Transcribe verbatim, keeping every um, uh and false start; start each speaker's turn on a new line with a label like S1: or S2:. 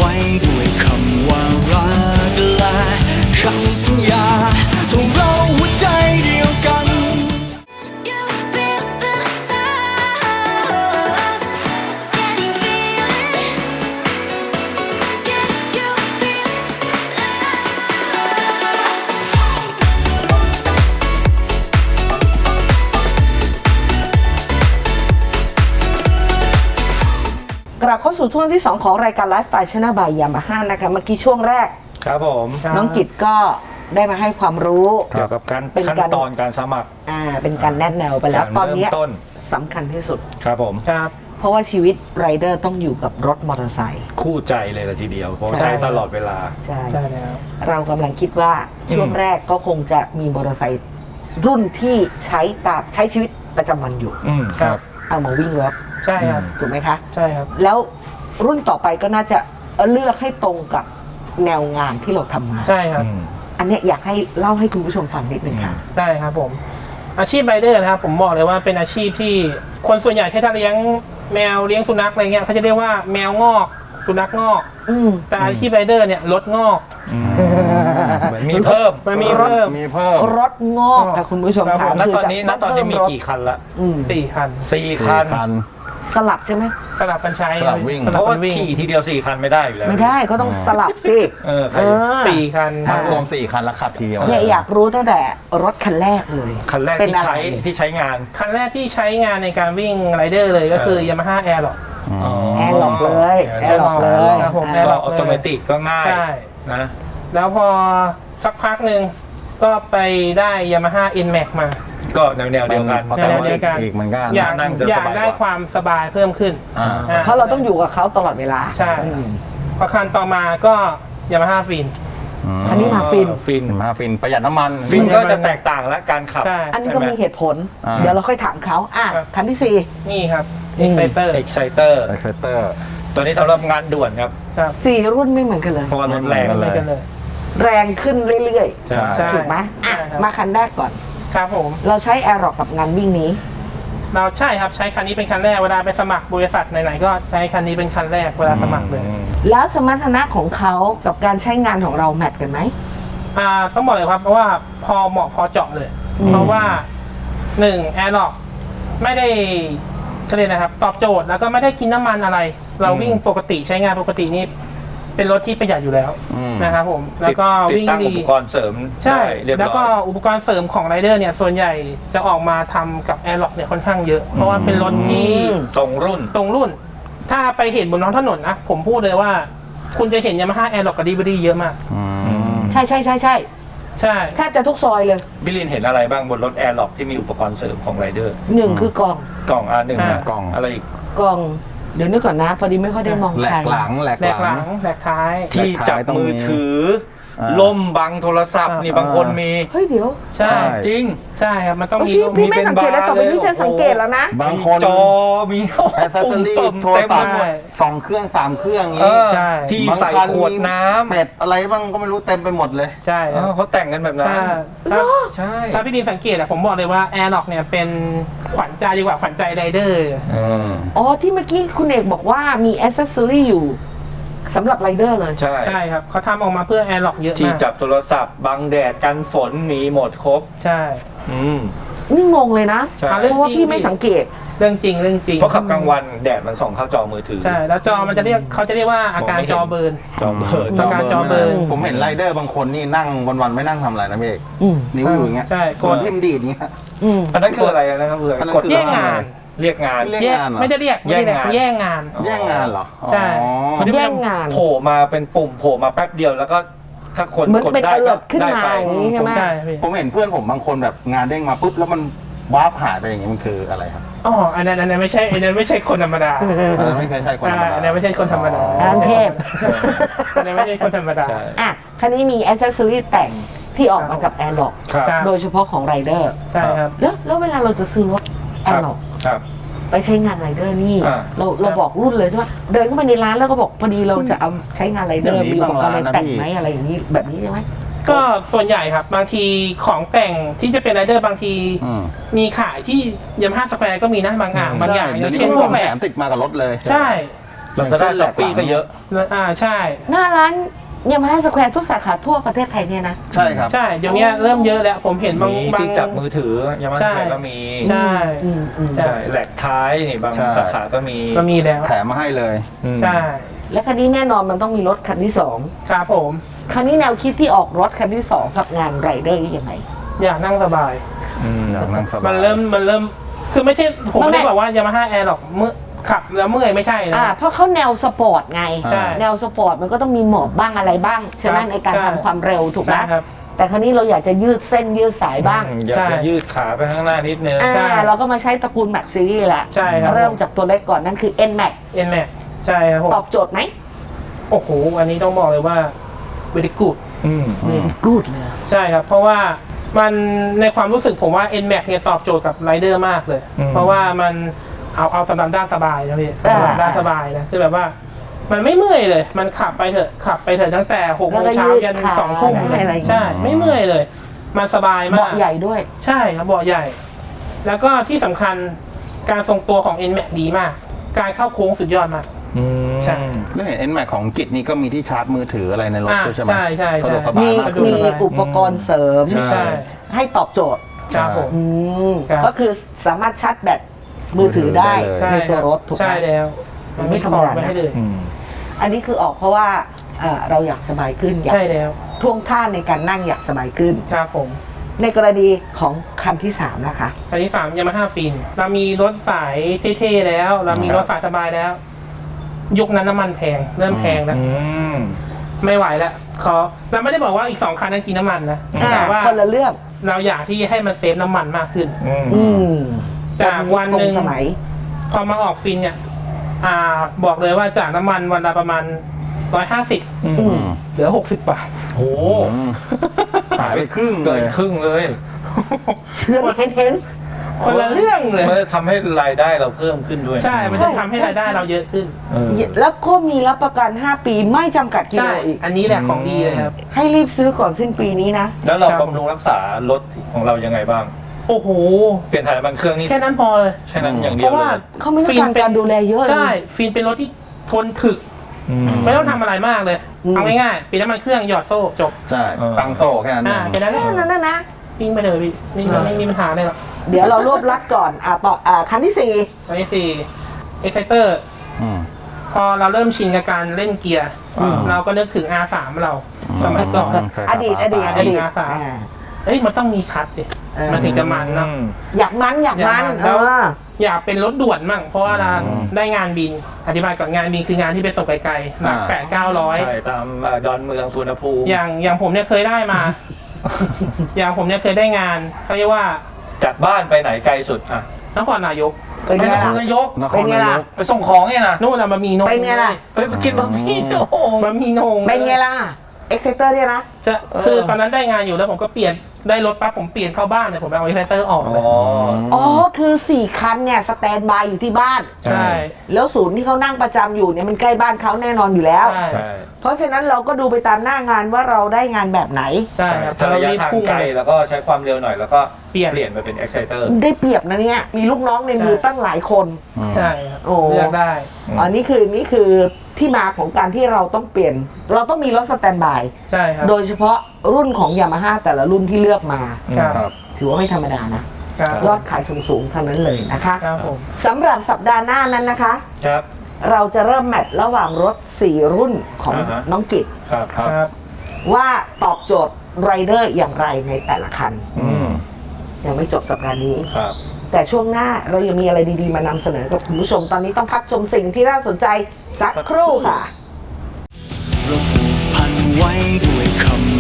S1: ไว้ด้วยคำว่ารักและคำสัญญาทงเราหัวใจเดียวกัน
S2: กลับเข้าสู่ช่วงที่สองของรายการไลฟ์สไตล์ชนะบายยามาฮ่านะคะเมื่อกี้ช่วงแรก
S3: ครับผม
S2: น้องกิตก็ได้มาให้ความรู้
S3: เกี่ยวกับการ
S2: เป็น
S3: ขั้น
S2: การ
S3: ตอนการสมัคร
S2: อ่าเป็นการแนะแนวไปแล้ว
S3: การ
S2: ตอนเนี้ย
S3: เริ่มต้น
S2: สำคัญที่สุด
S3: ครับผม
S4: ครับ
S2: เพราะว่าชีวิตไรเดอร์ต้องอยู่กับรถมอเตอร์ไซค์
S3: คู่ใจเลยละทีเดียวเพราะ
S2: ใช่
S3: ใช้ตลอดเวลา
S2: ใช่
S4: ได้แล้ว
S2: เรากำลังคิดว่าช่วงแรกก็คงจะมีมอเตอร์ไซค์รุ่นที่ใช้ตามใช้ชีวิตประจำวันอยู่
S3: อืม
S4: ครับ
S2: เอามาวิ่งรถ
S4: ใช่ครับ
S2: ถูกไหมคะ
S4: ใช่ครับ
S2: แล้วรุ่นต่อไปก็น่าจะเลือกให้ตรงกับแนวงานที่เราทำมา
S4: ใช่ครับ
S3: อืม
S2: อันเนี้ยอยากให้เล่าให้คุณผู้ชมฟังนิดหนึ่งค่ะ
S4: ได้ครับผม อาชีพไรเดอร์นะครับผมบอกเลยว่าเป็นอาชีพที่คนส่วนใหญ่ที่ถ้าเลี้ยงแมวเลี้ยงสุนัขอะไรเงี้ยเขาจะเรียกว่าแมวงอกสุนัขงอก
S2: อืม
S4: แต่อาชีพไรเดอร์เนี่ยรถงอก
S3: เหมือนมีเพิ่ม
S4: มันมีเพิ่ม
S5: มีเพิ่ม
S2: รถงอกค่ะคุณผู้ชม
S4: ครั
S2: ค่ะ
S4: บผม
S3: ณ
S2: คื
S3: ตอนนี้ณ
S2: จะ
S3: ตอนนี้มี
S2: เพิ่รถ
S3: กี่คันละ
S2: อืม
S4: สี่คัน
S3: สี่คัน
S5: คัน
S2: สลับใช่ไหม
S4: สลับกันใช้
S5: สลับวิ่ง
S4: ส
S3: เพ
S4: ลับ
S3: ราะ
S4: กั
S3: ว่าน
S4: วิ่ง
S3: ขี่ทีเดียวสี่คันไม่ได้อยู่แล้ว
S2: ไม่ได้ก็ต้องสลับสิ
S3: เออใคร
S2: เออ
S4: สี่คัน
S2: อ่า
S5: รวมสี่คันแล้วขับทีเดียว
S2: เนี่ยอยากรู้ตั้งแต่รถคันแรกเลย
S3: คันแรก
S2: เป็น
S3: ที่
S2: อะไร
S3: ใช้ที่ใช้งาน
S4: คันแรกที่ใช้งานในการวิ่งไรเดอร์เลยก็คือ
S3: เออ
S4: Yamaha Airlock
S3: อ๋อ
S2: แอร์หลอกเลยแอร์หลอกเลย
S4: ครับผม
S2: อ่า
S4: แอร์
S3: ก็
S4: หลอก
S3: ออโตเมติกก็ง่าย
S4: ใช่
S3: นะ
S4: แล้วพอสักพักหนึ่งก็ไปได้ Yamaha N-Max มา
S3: ก็แนวแนวเดียวกัน
S5: ออโตเมติกอีกเหมือนกัน
S4: อยาก
S3: นั่งจะ
S4: อยา
S3: ส
S4: ก
S3: บายกว่า
S4: ได้ความสบายเพิ่มขึ้น
S5: อ่า
S4: อ่
S2: เพราะเราต้องอยู่กับเขาตลอดเวลา
S4: ใช่
S2: อืม
S4: พอคันต่อมาก็ Yamaha Fin
S2: คันนี้มาฟิน
S3: ฟิน
S5: มาฟินประหยัดน้ำมัน
S3: ฟินก็จะแตกต่างและการขับ
S4: ใช่
S2: อันนี้ก็มีเหตุผล
S5: อ่า
S2: เดี๋ยวเราค่อยถามเขาอ่ะ
S4: ครับ
S2: คันที่สี่
S4: นี่ครับ
S2: อืม
S4: Exciter
S3: Exciter
S5: เอ็กเซเตอร์
S3: ตัวนี้สำหรับงานด่วนครับ
S4: ครับ
S2: สี่รุ่นไม่เหมือนกันเลย
S3: เพราะว่ารถแรง
S5: ไม่
S4: ไม่
S5: เหมือนกั
S4: กันเลย
S2: แรงขึ้นเรื่อย
S5: ใช่
S4: ใช่
S2: ๆ ถูกไหมอ่ะ
S4: ใช่ครับ
S2: มาคันแรกก่อน
S4: ครับผม
S2: เราใช้แอร์ร็อกกับงานวิ่งนี้
S4: เราใช่ครับใช้คันนี้เป็นคันแรกเวลาไปสมัครบริษัทไหนๆก็ใช้คันนี้เป็นคันแรกเวลาสมัครเลย
S2: แล้วสมรรถนะของเขากับการใช้งานของเราแมทกันไหม
S4: อ่าต้องบอกเลยครับเพราะว่าพอเหมาะพอเจาะเลย
S2: อืม
S4: เพราะว่าหนึ่งแอร์ล็อกไม่ได้เขาเรียกนะครับ ตอบโจทย์แล้วก็ไม่ได้กินน้ำมันอะไร เรา
S3: อืม
S4: วิ่งปกติใช้งานปกตินี่เป็นรถที่ประหยัดอยู่แล้ว
S5: อืม
S4: นะครับผมแล้วก็
S3: ติด
S4: วิ่ง
S3: ตั้ง
S4: ดี
S3: อุปกรณ์เสริม
S4: ใช่
S3: ได้เรียบ
S4: แล้ว
S3: ร้
S4: ก็
S3: อย
S4: อุปกรณ์เสริมของไรเดอร์เนี่ยส่วนใหญ่จะออกมาทำกับแอร์ล็อกเนี่ยค่อนข้างเยอะ เพราะว่าเป็นรถที่
S2: อืม
S3: ตรงรุ่น
S4: ตรงรุ่น ถ้าไปเห็นบนท้องถนนนะผมพูดเลยว่า คุณจะเห็นยามาฮ่าแอร์ล็อกกับดีบรีเยอะมาก
S5: อืม
S2: ใช่ใช่ใช่ใช่
S4: ใช่
S2: แทบจะทุกซอยเลย
S3: บิลินเห็นอะไรบ้างบนรถแอร์ล็อกที่มีอุปกรณ์เสริมของไรเดอร์
S2: หนึ่งคือกล่อง
S3: กล่อง อาร์ หนึ่ง
S4: อ่า
S3: นะ
S5: กล่อง
S3: อะไรอีก
S2: กล่อง เดี๋ยวนึกก่อนนะ พอดีไม่ค่อยได้มอง
S5: แหล
S2: ใคร
S5: กหลังแหลก
S4: แหล
S5: ห
S4: กห
S5: ลั
S4: ลั
S5: ง
S4: งแหลกท้าย
S3: ที่จับ
S5: ต้อง
S3: มือ
S5: มี
S3: ถือ
S5: อ่า
S3: ล่มบังโทรศัพท์
S4: อ่านี่
S3: นี่บางคนมี
S2: เฮ้ยเดี๋ยว
S4: ใช่
S5: ใช่
S3: จริง
S4: ใช่ครับมันต้องมี
S2: พี่
S4: รูป
S2: พี่
S3: มี
S2: ไม่
S3: เป็น
S2: สังเกตแล้ว
S3: บาร์
S2: ต่อไปนี้
S3: เลย
S2: จะสังเกตแล้วนะ
S5: บางคน
S3: จอมี
S5: แอสเซสซอรี่
S3: ปุ่ม
S5: โทร
S3: เต็ม
S5: ศัพท์
S3: หมด
S5: สองเครื่องสามเครื่องอย่าง
S3: เอ
S5: นี้
S3: อ
S4: ใช่
S3: ที่
S5: บาง
S3: ใส่
S5: คัน
S3: ขวด
S5: มี
S3: น้ำ
S5: เป็ดอะไรบ้างก็ไม่รู้เต็มไปหมดเลย
S4: ใช่
S3: เอ
S4: ครับ
S3: อเขาแต่งกันแบบนั้น
S4: ถ้าถ้า
S3: ใช่
S4: ถ้าพี่ดินสังเกตอะผมบอกเลยว่าแอร์ล็อกเนี่ยเป็นขวัญใจดีกว่าขวัญใจไรเดอร์
S3: เออ
S2: อ๋อที่เมื่อกี้คุณเอกบอกว่ามีแอ c เซสซอรี่อยู่สำหรับไรเดอร์เลย
S3: ใช่
S4: ใช่ครับเขาทำออกมาเพื่อแอร์ล็อกเยอะ
S3: ที่
S4: มาก
S3: จับโทรศัพท์บังแดดกันฝนมีหมดครบ
S4: ใช่
S3: อืม
S2: นี่งงเลยนะ
S3: ใช่
S2: เพราะว่าพี่ไม่สังเกต
S4: เรื่องจริงเรื่องจริง
S3: เพราะขับกลางวันแดดมันส่องเข้าจอมือถือ
S4: ใช่แล้วจอมันจะเรียกเขาจะเรียกว่าอาการ
S3: มองไม่เห็น
S4: จอเบิร์น
S3: จอเบิร์น
S4: จอการจอเบิร์น
S5: ผมเห็นไรเดอร์บางคนนี่นั่งวันๆไม่นั่งทำอะไรนะพี่เอก
S2: อืม
S5: นิ้วอยู่อย่างเงี้ย
S4: ใช่
S5: กดทิมดีดอย่างเงี้ย
S2: อืม
S3: อันนั้นคืออะไรนะครับเพื่อน
S5: อันนั้น
S3: กด
S5: คือ
S4: แย่งงาน
S3: เรียกงาน
S5: เรียก
S4: แยก
S5: งานเหรอ
S4: ไม่ได้เรียกไม่ได้เรียก
S3: แย่งงาน
S4: แย่งงาน
S5: แย่งงานเหรอ
S4: ใช่
S5: อ๋อ
S3: คนที่
S2: แย่งงาน
S3: โผล่มาเป็นปุ่มโผล่มาแป๊บเดียวแล้วก็ถ้าคน
S2: เหมือน
S3: กด
S2: เป็น
S3: ได้
S2: อ
S3: ก็
S2: เลิร์ขึ้น
S3: ได้
S2: มา
S3: ไป
S2: อย่างนี้ใช่ไหม
S4: ใช่พี่
S5: ผมเห็นเพื่อนผมบางคนแบบงานเด้งมาปุ๊บแล้วมันวาร์ปหายไปอย่างงี้มันคืออะไรครับ
S4: อ๋ออันนั้นอันนั้นไม่ใช่อันนั้นไม่ใช่คนธรรมดา
S5: อันนั้นไม่เคยใช่คนธรรม
S4: อ่า
S5: ดา
S4: อันนั้นไม่ใช่คนธรรมดา
S2: อันนั้นเทพ
S4: อันนั้นไม่ใช่คนธรรมดา
S3: ใช่
S2: อ่ะคันนี้มีแอ c เซสซอรี่แต่งที่ออกมากับแอร์ล็อก
S3: ครับ
S4: ครับ
S2: โดยเฉพาะของไรเดอร์
S4: ใช่ครับ
S2: แล้วแล้วเวลาเราจะซื้อรถแอ
S3: ครับ
S2: ร์ล็อก
S3: ครับ
S2: ไปใช้งานไรเดอร์นี่
S3: อ่า
S2: เราเราบอกรุ่นเลยใช่ไหมเดินเข้าไปในร้านแล้วก็บอกพอดีเราจะเอาใช้งานไรเดอร์
S5: เดี๋ยวนี้
S2: มีอุปกรณ์อะไร
S5: บางร้านนะ
S2: แต่ง
S5: พี่
S2: ไหมอะไรอย่างนี้แบบนี้ใช่ไหม
S4: ก็ส่วนใหญ่ครับบางทีของแต่งที่จะเป็นไรเดอร์บางที
S5: อืม
S4: มีขายที่ยามาฮ่าสแควร์ก็มีนะบางอ่างบางอย่างอ
S5: เดี๋ย
S4: ย่าว ง
S5: นี้
S4: เช่น
S5: ก็
S4: พ
S5: ข
S4: ว
S5: อก ง
S4: แบ
S5: แถ
S4: บ
S5: มติดมากับรถเลย
S4: ใช่
S3: ลาซาด้าช้อปปี้ก็เยอะ
S4: อ่าใช่
S2: หน้าร้านยามาฮ่าสแควร์ทุกสาขาทั่วประเทศไทยเนี่ยนะ
S5: ใช่ครับ
S4: ใช่เดี๋ยวนี้เริ่มเยอะแล้วผมเห็นบาง
S3: มี
S4: บาง
S3: ที่จับมือถือยามา
S4: ใช่
S3: ฮ่าก็มี
S4: ใช่
S2: อืมอืม
S4: ใช่
S3: ใช่แหลกท้ายนี่บาง
S5: ใช่
S3: สาขาก็มี
S4: ก็มีแล้ว
S5: แถมมาให้เลย
S3: อืม
S4: ใช่
S2: และคันนี้แน่นอนมันต้องมีรถคันที่สอง
S4: ครับผม
S2: คันนี้แนวคิดที่ออกรถคันที่สองกับงานไรเดอร์นี่ยังไง
S4: อยากนั่งสบาย
S3: อืม
S5: อยากนั่งสบาย
S4: มันเริ่มมันเริ่มคือไม่ใช่ผม
S2: ไม่
S4: ไม่ได้
S2: ไม่
S4: บอกว่ายามาฮ่าแอร์หรอกเมื่อขับแล้วเมื่อยไม่ใช่นะ
S2: อ่าเพราะเขาแนวสปอร์ตไง
S5: อ่า
S4: ใช่
S2: แนวสปอร์ตมันก็ต้องมีหมอบบ้างอะไรบ้างใช่ไหม
S4: ครับ
S2: ในการ
S4: ใช่
S2: ทำความเร็วถูกไหม
S4: ใช่ครับ
S2: แต่คราวนี้เราอยากจะยืดเส้นยืดสายบ้าง
S3: อืมอยาก
S4: ใช่
S3: จะยืดขาไปข้างหน้านิดนึง
S2: อ่า
S4: ใช่
S2: เราก็มาใช้ตระกูล Max Series แหละ
S4: ใช่ครับ
S2: เริ่มจากตัวเล็กก่อนนั่นคือ N Max
S4: เอ็นแม็กใช่ครับผม
S2: ตอบโจทย์ไหม
S4: โอ้โหอันนี้ต้องบอกเลยว่า very good
S3: อืม
S2: เวรี่กูดเลย
S4: ใช่ครับ เพราะว่ามันในความรู้สึกผมว่า N Max เนี่ยตอบโจทย์กับไรเดอร์มากเลย เพราะว่ามันเอาเอาสำหรับด้านสบายนะพี่สำหรับด้านสบายนะคือแบบว่า มันไม่เมื่อยเลย มันขับไปเถอะขับไปเถอะตั้งแต่หกโมงเช้ายันสองทุ่ม
S2: อะไรอย่าง
S4: ใช่
S2: เงี้ย
S4: ไม่เมื่อยเลย มันสบายมาก
S2: เบาะใหญ่ด้วย
S4: ใช่ครับเบาะใหญ่ แล้วก็ที่สำคัญการทรงตัวของ N Max ดีมาก การเข้าโค้งสุดยอดมาก
S3: อืม
S4: ใช่
S5: แล้วเห็น N Max ของกิจนี่ก็มีที่ชาร์จมือถืออะไรในรถ
S4: อ่า
S5: ด้วยใช่ไหม
S4: ใช่ใช่ใช่
S5: สะดวกสบาย
S2: มี
S5: มากขึ้น
S2: มีอุปกรณ์เสริม
S5: ใช่
S4: ใช่
S2: ให้ตอบโจทย์
S4: ครับผม
S2: อืม
S4: ครับ
S2: ก็คือสามารถชาร์จแบตมือถือได้
S5: ใช่
S2: ในตัวรถถูกไหม
S4: ใช่แล้ว มันไม่
S2: ไม่ธรรมดานะ
S4: ไม่ให้เลย
S3: อืม
S2: อันนี้คือออกเพราะว่าเอ่อเราอยากสบายขึ้นอยาก
S4: ใช่แล้ว
S2: ท่วงท่าในการนั่งอยากสบายขึ้น
S4: ครับผม
S2: ในกรณีของคันที่สามนะคะ
S4: คันที่สามยามาฮ่าฟินเรามีรถสายเท่ๆแล้ว เรามีรถสายสบายแล้ว ยุคนั้นน้ำมันแพงเริ่มแพงแล้ว
S3: อืม
S4: ไม่ไหวแล้วขอเราไม่ได้บอกว่าอีกสองคันนั้นกินน้ำมันนะ
S2: อ่า
S4: แต่ว่า
S2: คนละเรื่อง
S4: เราอยากที่ให้มันเซฟน้ำมันมากขึ้น
S3: อืม
S2: อืม
S4: จากวันหนึ่ง
S2: ตรสมัย
S4: พอมาออกฟินเนี่ย อ่า บอกเลยว่าจากน้ำมันวันละประมาณร้อยห้าสิบ
S3: อื
S2: อื
S3: ม
S2: ม
S4: เหลือหกสิบบาท
S3: โอ้
S5: อืมหายไปครึ่งเล
S3: เกิ
S5: ย
S3: นครึ่งเลย
S2: เชื่อเห็นเห็น
S4: คนละเรื่องเลย
S3: มันจะทำให้รายได้เราเพิ่มขึ้นด้วย
S4: ใช่ มัน
S2: ใช่
S4: จะทำให้รายได้
S2: ใช่
S4: เราเยอะขึ้น
S3: เออ
S2: แล้วก็มีรับประกันห้าปีไม่จำกัดกิโล
S4: ใช่
S2: อีก
S4: อันนี้แหละของดีเลยครับ
S2: ให้รีบซื้อก่อนสิ้นปีนี้นะ
S3: แล้วเรา
S4: ครับ
S3: บำรุงรักษารถของเรายังไงบ้าง
S4: โอ้โห
S3: เปลี่ยนถ่ายน้ำมันเครื่องนี่
S4: แค่นั้นพอเลย
S3: แค่นั้นอย่าง
S4: เพ
S3: เดียว
S4: ราะ
S3: เล
S4: ว่า
S3: ย
S2: เขาไม่ต้องการการดูแลเยอะ
S4: ใช่
S2: เลย
S4: ฟินเป็นรถที่ทนถึก
S3: อืม
S4: ไม่ต้องทำอะไรมากเลย
S2: อืม
S4: เอาง่ายๆเปลี่ยนน้ำมันเครื่องหยอดโซ่จบ
S5: ใช่
S3: เออ
S5: ตั้งโซ่แค่นั้นเอ
S4: อ่าง แค่นั้น
S2: นั่นนั่นนะ
S4: วิ่งไปเลยพี่ไม่ไม่ไม่มีปัญหาเลยหรอก
S2: เดี๋ยวเรารวบรัดก่อน อ่ะต่ออ่าคันที่สี่
S4: อันที่สี่ Exciter
S5: อืม
S4: พอเราเริ่มชินกับการเล่นเกียร์
S3: อืม
S4: เราก็นึกถึง อาร์ สาม เราสมัยก่อน
S5: ใช่
S2: อ
S5: ครับ
S2: ดีตอดีต
S4: อ่า
S2: อดีต
S4: อ่า
S2: อ่า
S4: เอ้ยมันต้องมีคัทสิ
S2: เออ
S4: มันถึงจะมันเนาะ
S3: อืม
S2: อยากมันอยากมัน
S4: อยากมัน
S2: เอ
S4: แล้ว
S2: อ
S4: อยากเป็นรถด่วนมั่งเพราะว่าเรา
S3: อืม
S4: ได้งานบิน อธิบายก่อนงานบินคืองานที่ไปส่งไกลๆหนัก
S5: อ่า
S4: แปดเก้าร้อย
S3: ใช่ตามเอ่อดอนเมืองสุวรรณภูมิ
S4: อย่างอย่างผมเนี่ยเคยได้มา อย่างผมเนี่ยเคยได้งานเขาเรียกว่า
S3: จากบ้านไปไหนไกลสุดอ่ะ
S4: นครนายก
S2: เป็น
S3: ไป
S2: ไง
S3: นค
S2: ล่ะ
S3: รนายก
S5: นค
S2: เป็
S5: ร
S2: นไง
S5: นาย
S2: ล่ะ
S5: ก
S3: ไปส่งของเนี่ยนะ
S4: นู่นน่ะบะหมี่นง
S2: เป็นไงล่ะ
S3: ไปกินบะหมี่โอ้โห
S4: บะหมี่นง
S2: เป็นไงล่ะ เอ็กเซเตอร์เนี่ยนะ
S4: จะคือตอนนั้นได้งานอยู่แล้วผมก็เปลี่ยนได้รถปั๊บผมเปลี่ยนเข้าบ้านเลยผมไปเอาไอไฟเตอร์ออก
S3: อ๋
S4: เลย
S3: อ
S2: อ๋อ คือสี่คันเนี่ยสแตนบายอยู่ที่บ้าน
S4: ใช่
S2: แล้วศูนย์ที่เขานั่งประจำอยู่เนี่ยมันใกล้บ้านเขาแน่นอนอยู่แล้ว
S4: ใช่
S3: ใช่
S2: เพราะฉะนั้นเราก็ดูไปตามหน้างานว่าเราได้งานแบบไหน
S4: ใช่ครับ
S3: ถ้าระยะ
S4: รีบ
S3: ทาง
S4: พุ่ง
S3: ไกล
S4: เลย
S3: แล้วก็ใช้ความเร็วหน่อยแล้วก็
S4: เปลี่ยน
S3: เปลี่ยนไปเป็น exciter
S2: ได้เปรียบนะเนี่ย มีลูกน้องในมือ
S4: ใช่
S2: ตั้งหลายคน
S4: ใช่ครับ
S2: โอ้
S4: เลือกได้
S3: อืม
S2: อันนี้คือนี่คือที่มาของการที่เราต้องเปลี่ยน เราต้องมีรถสแตนบาย
S4: ใช่ครับ
S2: โดยเฉพาะรุ่นของยามาฮ่าแต่ละรุ่นที่เลือกมา
S4: ครับ
S5: ครับ
S2: ถือว่าไม่ธรรมดานะ
S4: ครับ
S2: ยอดขายสูงๆทั้งนั้นเลยนะคะ
S4: ครับผม
S2: สำหรับสัปดาห์หน้านั้นนะคะ
S3: ครับ
S2: เราจะเริ่มแมตช์ระหว่างรถ สี่ รุ่นของ
S3: อ่าฮะ
S2: น้องกิต
S3: ครับ
S5: ครับ
S4: ครับ
S2: ว่าตอบโจทย์ไรเดอร์อย่างไรในแต่ละคัน
S3: อืม
S2: ยังไม่จบสัปดาห์นี้
S3: ครับ
S2: แต่ช่วงหน้าเรายังมีอะไรดีๆมานำเสนอกับคุณผู้ชม ตอนนี้ต้องพักชมสิ่งที่น่าสนใจสักครู่ค่ะ
S1: เราผูกพันไว้ด้วยคำ